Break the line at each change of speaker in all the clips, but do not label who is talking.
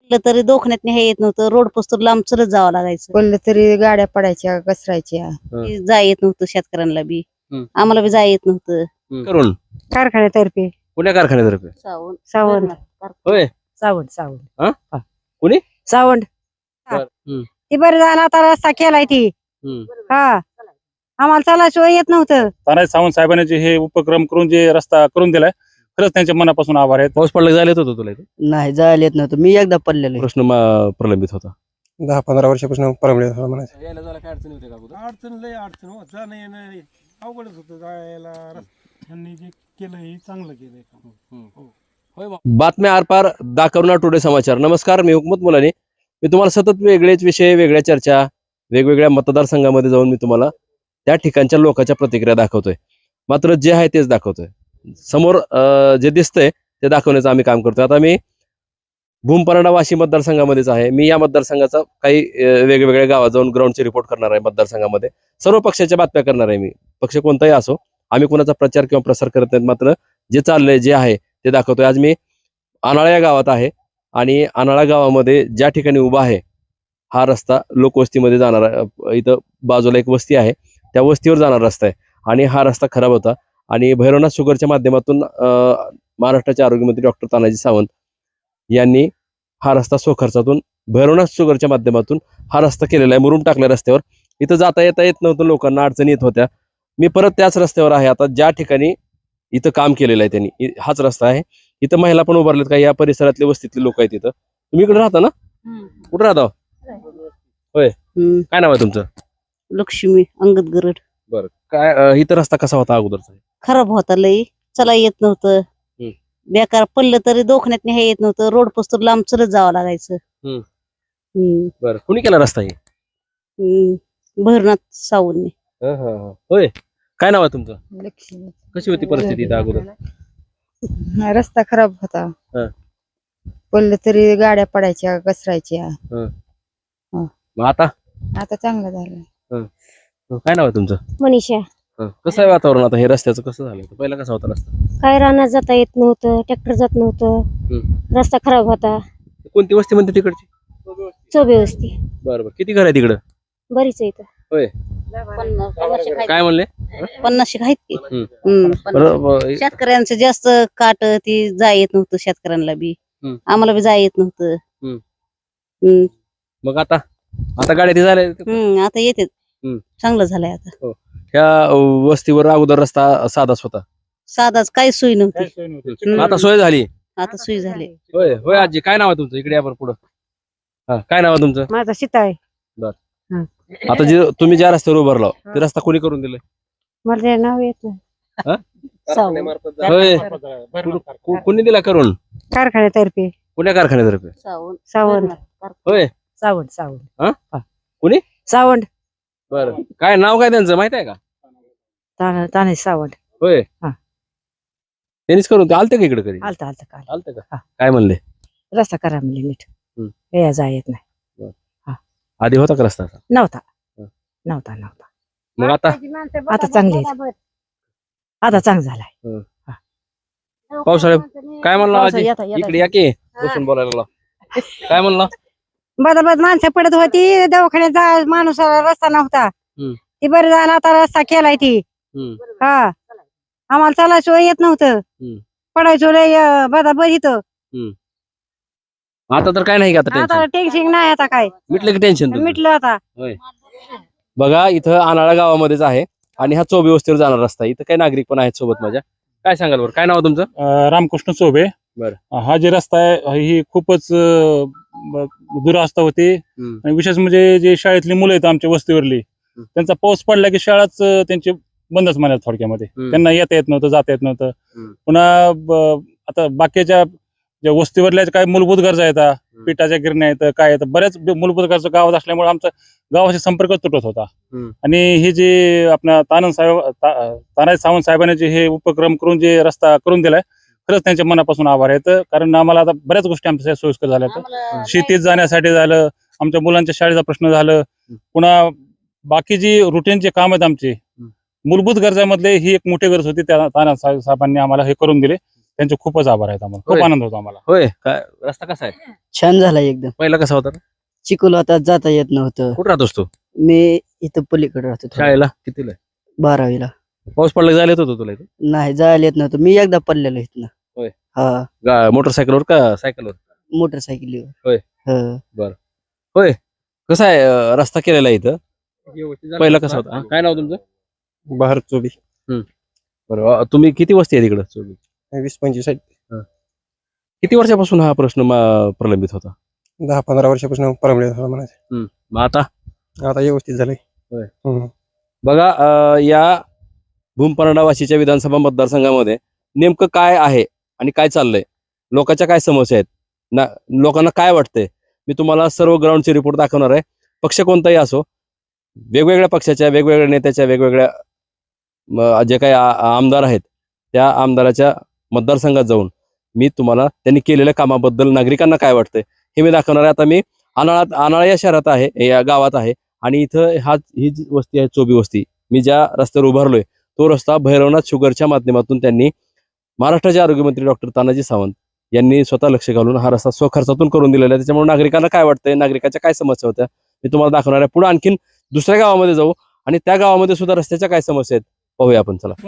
तरी दवाखान्यात हे येत नव्हतं. रोड पोस्टर लांब चलत जावं लागायचं.
बोललं तरी गाड्या पडायच्या घसरायच्या.
की जाय येत नव्हतं शेतकऱ्यांना बी.
हम्म.
आम्हाला बी जाय येत नव्हतं.
करून
कारखान्यातर्फे
पुण्या कारखान्यातर्फे
सावंत
होय.
सावंत
कुणी?
सावंत
बर. हम्म.
ती बरं झाला आता रस्ता केलाय ती.
हम्म.
हा आम्हाला चालाशिवाय येत नव्हतं.
तानाजी सावंत साहेबांनी जे हे उपक्रम करून जे रस्ता करून दिलाय, खरंच त्यांच्या मनापासून आभार आहेत.
पाऊस पडला झाले होतं तुला इथे?
नाही जायला येत नव्हतं. मी एकदा पडलेलो
प्रश्न प्रलंबित होता.
10-15 वर्षापासून प्रॉब्लेम म्हणायचं.
यायला जायला काय अडचण होते का अगोदर?
अडचण लय अडचण हो, जाणं येणं अवघडच होतं. जायला त्यांनी जे केलं हे चांगलं केलंय काम.
बातम्या आरपार दाखवणार टुडे समाचार. नमस्कार, मी हुकमत मुलानी. मी तुम्हाला सतत वेगळेच विषय, वेगळ्या चर्चा, वेगवेगळ्या मतदारसंघामध्ये जाऊन मी तुम्हाला त्या ठिकाणच्या लोकांच्या प्रतिक्रिया दाखवतोय. मात्र जे आहे तेच दाखवतोय. समोर जे दिसतंय ते दाखवण्याचं आम्ही काम करतोय. आता मी भूमपराडा वाशी मतदारसंघामध्येच आहे. मी या मतदारसंघाचा काही वेगवेगळ्या गावात जाऊन ग्राउंडचे रिपोर्ट करणार आहे. मतदारसंघामध्ये सर्व पक्षाच्या बातम्या करणार आहे. मी पक्ष कोणताही असो, आम्ही कोणाचा प्रचार किंवा प्रसार करत नाहीत. मात्र जे चाललंय, जे आहे ते दाखवतोय. आज मी आनाळा या गावात आहे आणि आनाळा गावामध्ये ज्या ठिकाणी उभा आहे हा रस्ता लोकवस्तीमध्ये जाणारा, इथं बाजूला एक वस्ती आहे, त्या वस्तीवर जाणारा रस्ता आहे आणि हा रस्ता खराब होता आणि भैरवनाथ शुगरच्या माध्यमातून महाराष्ट्राचे आरोग्यमंत्री डॉक्टर तानाजी सावंत यांनी हा रस्ता स्वखर्चातून भैरवनाथ शुगरच्या माध्यमातून हा रस्ता केलेला आहे. मुरुम टाकल्या रस्त्यावर. इथं जाता येत नव्हतं, लोकांना अडचणी येत होत्या. मी परत त्याच रस्त्यावर आहे आता, ज्या ठिकाणी इथं काम केलेलं आहे त्यांनी. हाच रस्ता आहे. इथं महिला पण उभारलेत, काही या परिसरातले वस्तीतले लोक आहेत. इथं तुम्ही इकडे राहता ना? कुठे राहता? होय. काय नाव आहे तुमचं?
लक्ष्मी अंगद गरड.
बरं. काय इथं रस्ता कसा होता अगोदरचा?
खराब होता लई. चला येत नव्हतं. बेकार पडलं तरी दवाखान्यात हे येत नव्हतं. रोड पोस्टर लांब चलत जावं लागायचं.
बरं. कुणी केला रस्ता हे?
भैरवनाथ सावंतने.
होय. काय नाव आहे तुमचं?
लक्ष्मी.
कशी होती परिस्थिती इथं अगोदर?
रस्ता खराब होता.
हा.
बोललं तरी गाड्या पडायच्या घसरायच्या.
मग आता
आता चांगलं झालं.
काय नाव आहे तुमचं?
मनीषा.
कसं आहे वातावरण आता? हे रस्त्याचं कसं झालं? पहिला कसा होता रस्ता?
काय रानात जाता येत नव्हतं, ट्रॅक्टर जात नव्हतं, रस्ता खराब होता.
कोणती वस्ती म्हणते तिकडची?
चोबे वस्ती.
बरं. किती घर आहे तिकडं?
बरीच आहे इथं.
होय. काय म्हणले?
50 आहेत की.
बरं.
शेतकऱ्यांचं जास्त काट ती जाय येत नव्हतं. शेतकऱ्यांना बी आम्हाला बी जाय येत नव्हतं.
मग आता गाड्या ते झाल्या.
आता येते. चांगलं झालंय आता.
ह्या वस्तीवर अगोदर रस्ता साधाच होता.
साधाच काही सोय नव्हती.
आता सोय झाली.
आता सोय झाली.
होय. होय आजी, काय नाव आहे तुमचं? इकडे या बरं पुढं. काय नाव आहे तुमचं?
माझा सीता आहे.
आता जे तुम्ही ज्या रस्त्यावर उभारला ते रस्ता कोणी करून दिलाय?
मला ते नाव येत.
होय. कोणी दिला करून?
कारखान्यातर्फे.
पुण्या कारखान्यातर्फे.
सावंत
होय.
सावंत
कुणी?
सावंत.
बरं. काय नाव काय त्यांचं माहित आहे का?
तानाजी सावंत.
होय. त्यांनीच करून आलते का इकडे कधी?
आलता काल.
आलते का? काय म्हणले?
रस्ता करा म्हणले नीट. या जा येत नाही.
आधी होता का रस्ता?
नव्हता.
मग आता
आता चांगले आता चांगलं झालाय.
पावसाळ्यात काय म्हणला आजी? इकडे या की बसून बोलायला. काय म्हणला?
बदाबद माणसं पडत होती. दवाखान्यात जा माणूस रस्ता नव्हता. ती बरं झाला आता रस्ता केलाय ती. हा आम्हाला चालाशिवाय येत नव्हतं. पडायचो लय बदाबद इथं.
आता तर काय नाही का? आता
टेन्शन नाही. आता काय
मिटलं की टेन्शन?
मिटलं आता.
बघा, इथं आनाळा गावामध्येच आहे आणि हा चोबे वस्तीवर जाणार रस्ता. इथं काही नागरिक पण आहेत सोबत माझ्या. काय सांगाल बरं? काय नाव तुमचं?
रामकृष्ण चोबे.
बरं.
हा जे रस्ता आहे ही खूपच दुरावस्था होती. आणि विशेष म्हणजे जे शाळेतली मुलं आहेत आमच्या वस्तीवरली, त्यांचा पाऊस पडला की शाळाच त्यांची बंदच म्हणाल थोडक्यामध्ये. त्यांना येता येत नव्हतं, जाता येत नव्हतं. पुन्हा आता बाकीच्या ज्या वस्तीवरल्या काय मूलभूत गरजा येतात, पिठाच्या गिरण्या येतं, काय येतं, बऱ्याच मूलभूत गरजा गावात असल्यामुळे आमचा गावाशी संपर्क तुटत होता. आणि हे जे आपल्या तानाजी सावंत साहेबांनी जे हे उपक्रम करून जे रस्ता करून दिलाय, खरंच त्यांच्या मनापासून आभार आहेत. कारण आम्हाला आता बऱ्याच गोष्टी आमच्या सोयीस्कर झाल्या. शेतीत जाण्यासाठी झालं, आमच्या मुलांच्या शाळेचा प्रश्न झालं, पुन्हा बाकी जी रुटीनचे काम आहेत आमचे मूलभूत गरजामधले ही एक मोठी गरज होती. त्या तानाजी साहेबांनी आम्हाला हे करून दिले. त्यांचे खूपच आभार आहेत आम्हाला.
होय.
खूप आनंद होतो आम्हाला.
होय काय रस्ता कसा आहे
छान झाला एकदम.
पहिला कसा होता
चिखल होता, जाता येत नव्हतं.
कुठं राहतोस तू
मी इथं पलीकडे राहतो थोडं.
शाळेला कितीला
12वीला.
पाऊस पडला की जायला येत होतो तुला इथं
नाही जायला येत नव्हतं. मी एकदा पडलेलो इथनं.
होय.
हा,
मोटरसायकलवर का सायकलवर
मोटरसायकलीवर.
होय.
हा.
होय कसा आहे रस्ता केलेला आहे इथं पहिला कसा होता काय नाव तुमचं
बाहेर चोबी
बरं तुम्ही किती वस्ती आहे तिकडं
20-25
किती वर्षापासून हा प्रश्न प्रलंबित होता
10-15 वर्षापासून प्रॉब्लेम झाला म्हणायचं.
मग आता
आता व्यवस्थित झालंय.
होय.
हम्म.
बघा या भूमपरांडा वाशीच्या विधानसभा मतदारसंघामध्ये नेमकं काय आहे आणि काय चाललंय लोकांच्या काय समस्या आहेत लोकांना काय वाटतंय मी तुम्हाला सर्व ग्राउंडचे रिपोर्ट दाखवणार आहे. पक्ष कोणताही असो वेगवेगळ्या पक्षाच्या वेगवेगळ्या नेत्याच्या वेगवेगळ्या जे काही आमदार आहेत त्या आमदाराच्या मतदारसंघात जाऊन मी तुम्हाला त्यांनी केलेल्या कामाबद्दल नागरिकांना काय वाटतंय हे मी दाखवणार आहे. आता मी आनाळा या शहरात आहे या गावात आहे आणि इथं ही जी वस्ती आहे चोबी वस्ती मी ज्या रस्त्यावर उभारलोय तो रस्ता भैरवनाथ शुगरच्या माध्यमातून त्यांनी महाराष्ट्राचे आरोग्यमंत्री डॉक्टर तानाजी सावंत यांनी स्वतः लक्ष घालून हा रस्ता स्वखर्चातून करून दिलेला आहे. त्याच्यामुळे नागरिकांना काय वाटतंय नागरिकाच्या काय समस्या होत्या मी तुम्हाला दाखवणार आहे. पुढे आणखीन दुसऱ्या गावामध्ये जाऊ आणि त्या गावामध्ये सुद्धा रस्त्याच्या काय समस्या आहेत पाहूया आपण. चला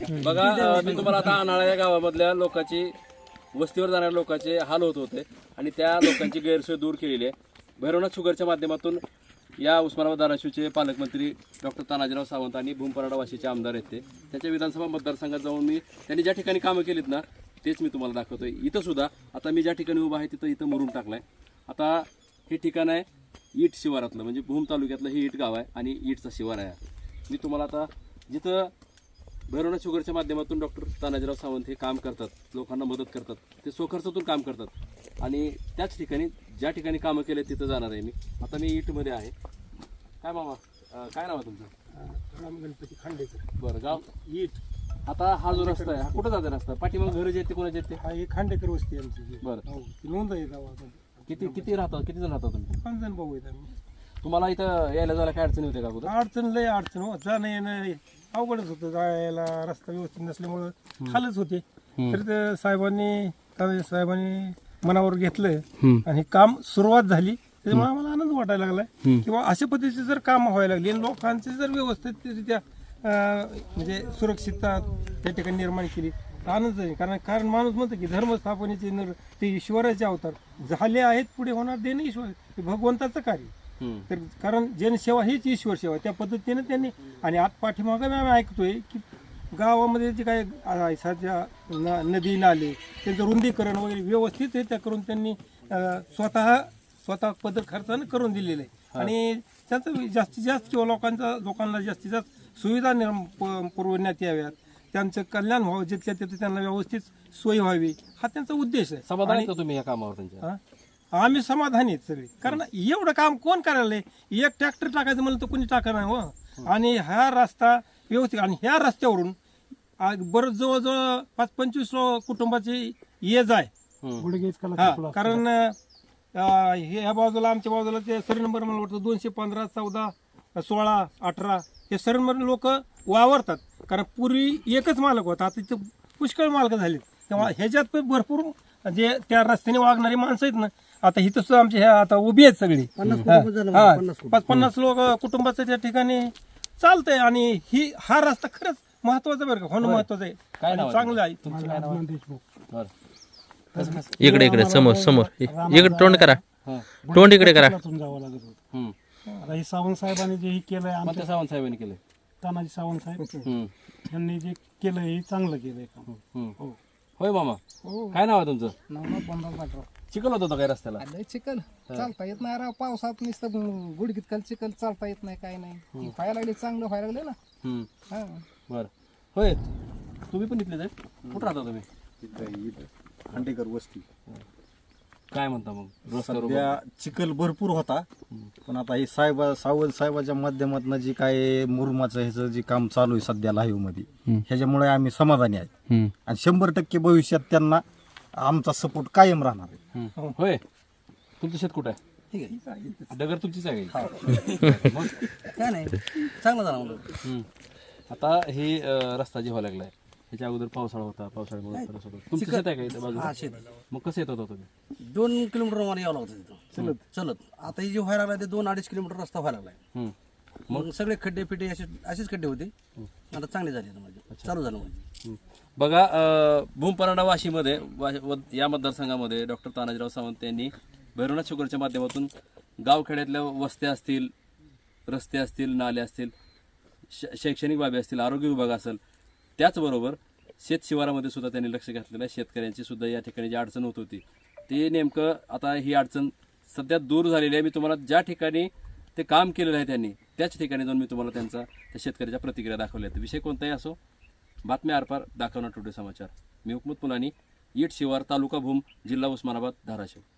बघा मी तुम्हाला आता आनाळा या गावामधल्या लोकांची वस्तीवर जाणाऱ्या लोकांचे हाल होत होते आणि त्या लोकांची गैरसोय दूर केलेली आहे. भैरवनाथ शुगरच्या माध्यमातून या उस्मानाबाद धाराशिवचे पालकमंत्री डॉक्टर तानाजीराव सावंत आणि भूमपरांडा वाशीचे आमदार आहेत ते त्यांच्या विधानसभा मतदारसंघात जाऊन मी त्यांनी ज्या ठिकाणी कामं केलीत ना तेच मी तुम्हाला दाखवतोय. इथं सुद्धा आता मी ज्या ठिकाणी उभा आहे तिथं मुरुम टाकलाय. आता हे ठिकाण आहे ईट शिवारातलं म्हणजे भूम तालुक्यातलं हे ईट गाव आहे आणि ईटचा शिवार आहे. मी तुम्हाला आता जिथं भैरवनाथ शुगरच्या माध्यमातून डॉक्टर तानाजीराव सावंत हे काम करतात लोकांना मदत करतात ते स्वखर्चातून काम करतात आणि त्याच ठिकाणी ज्या ठिकाणी कामं केले तिथं जाणार आहे मी. आता मी ईटमध्ये आहे. काय मामा काय नाव आहे तुमचं
राम गणपती खांडेकर.
बरं गाव
ईट.
आता हा जो रस्ता आहे हा कुठं जाते रस्ता पाठीमाग घर जे ते कोणाचे ते
हा एक खांडेकर वस्ती आहे आमची.
बरं.
हो, ती नोंद आहे गावामध्ये.
किती राहतात किती जण राहतात तुम्ही
5 जण भाऊ आहेत आम्ही.
तुम्हाला इथं यायला जायला काय अडचणी होते का अगोदर
अडचण लय अडचण हो जाणं येणं अवघडच होतं. जायला रस्ता व्यवस्थित नसल्यामुळं हालच होते. तर ते साहेबांनी मनावर घेतलं आणि काम सुरुवात झाली त्याच्यामुळे आम्हाला आनंद वाटायला लागलाय किंवा अशा पद्धतीचे जर काम व्हायला लागली आणि लोकांचे जर व्यवस्थितरित्या म्हणजे सुरक्षितता त्या ठिकाणी निर्माण केली तर आनंद आहे. कारण माणूस म्हणतो की धर्मस्थापनेचे ते ईश्वराचे अवतार झाले आहेत पुढे होणार देणं ईश्वर हे भगवंताचं कार्य. तर कारण जनसेवा हीच ईश्वर सेवा त्या पद्धतीने त्यांनी आणि आत पाठीमागे आम्ही ऐकतोय की गावामध्ये जे काय सध्या नदी नाले त्यांचं रुंदीकरण वगैरे व्यवस्थित हे त्या करून त्यांनी स्वतः पद्धत खर्चानं करून दिलेलं आहे आणि त्याचं जास्तीत जास्त किंवा लोकांना जास्तीत जास्त सुविधा पुरवण्यात याव्यात त्यांचं कल्याण व्हावं जिथल्या तिथे त्यांना व्यवस्थित सोय व्हावी हा त्यांचा उद्देश आहे.
समाधानी का तुम्ही या कामावर त्यांच्या
आम्ही समाधानी आहेत सगळे कारण एवढं काम कोण करायला एक ट्रॅक्टर टाकायचं म्हणलं तर कोणी टाका नाही हो. आणि हा रस्ता व्यवस्थित आणि ह्या रस्त्यावरून बरं जवळजवळ 5-25 कुटुंबाची ये जाय कारण ह्या बाजूला आमच्या बाजूला ते सर्व नंबर मला वाटतं 215, 14, 16, 18 हे सर्व नंबर लोक वावरतात कारण पूर्वी एकच मालक होता आता तिथे पुष्कळ मालक झाले तेव्हा ह्याच्यात पण भरपूर जे त्या रस्त्याने वागणारी माणसं आहेत ना आता इथं सुद्धा आमचे ह्या आता उभी आहेत सगळी 50 लोक कुटुंबाचं त्या ठिकाणी चालतंय आणि हा रस्ता खरंच महत्वाचा बरं का होणं महत्वाचं आहे चांगलं आहे.
इकडे समोर इकडे तोंड करा इकडे करा.
आता हे सावंत साहेबांनी जे हे केलंय आमच्या
सावंत साहेबांनी केलंय
तानाजी सावंत साहेब यांनी जे केलं हे चांगलं केलंय काम.
होय मामा काय नाव आहे तुमचं चिखल होत होता काय रस्त्याला
चिखल चालता येत नाही राव पावसात नुसतं गुडघीत खाली चिखल चालता येत नाही काय नाही व्हायला लागले चांगलं व्हायला लागले ना.
बर होय तुम्ही पण इथलेच आहे कुठं राहता तुम्ही
खांडेकर वस्ती.
काय म्हणता मग
सध्या चिखल भरपूर होता पण आता हे सावंत साहेबाच्या माध्यमातून जे काय मुरुमाचं ह्याचं जे काम चालू आहे सध्या लाईव्ह मध्ये ह्याच्यामुळे आम्ही समाधानी आहे आणि 100% भविष्यात त्यांना आमचा सपोर्ट कायम राहणार आहे.
होय तुमचं शेत कुठं आहे डगर तुमचीच आहे
काय नाही चांगलं झालं.
आता हे रस्ता जे व्हायला लागलाय ह्याच्या अगोदर पावसाळा होता, पावसाळ्यामुळे त्रास होता. तुमचं शेत आहे का इथं बाजूला? मग कसं येत होता तुम्ही?
2 किलोमीटर मला यावं लागतं तिथं चलत. आता हे जे व्हायला लागलाय ते 2-2.5 किलोमीटर रस्ता व्हायला लागलाय. मग सगळे खड्डे फिड्डे असेच खड्डे होते. आता चांगले झाले माझे, चालू झालं माझे.
बघा भूमपराडा वाशीमध्ये या मतदारसंघामध्ये डॉक्टर तानाजीराव सावंत यांनी भैरवनाथ शुगरच्या माध्यमातून गावखेड्यातल्या वस्त्या असतील, रस्ते असतील, नाले असतील, शैक्षणिक बाबी असतील, आरोग्य विभाग असेल, त्याचबरोबर शेत शिवारामध्ये सुद्धा त्यांनी लक्ष घातलेलं आहे. शेतकऱ्यांची सुद्धा या ठिकाणी जी अडचण होत होती ती नेमकं आता ही अडचण सध्या दूर झालेली आहे. मी तुम्हाला ज्या ठिकाणी ते काम केलेलं आहे त्यांनी त्याच ठिकाणी जाऊन मी तुम्हाला त्या शेतकऱ्याच्या प्रतिक्रिया दाखवल्या आहेत. विषय कोणताही असो, बातम्या आरपार दाखवणार टुडे समाचार. मी हुकमत मुलानी, ईट शिवार, तालुका भूम, जिल्हा उस्मानाबाद, धाराशिव.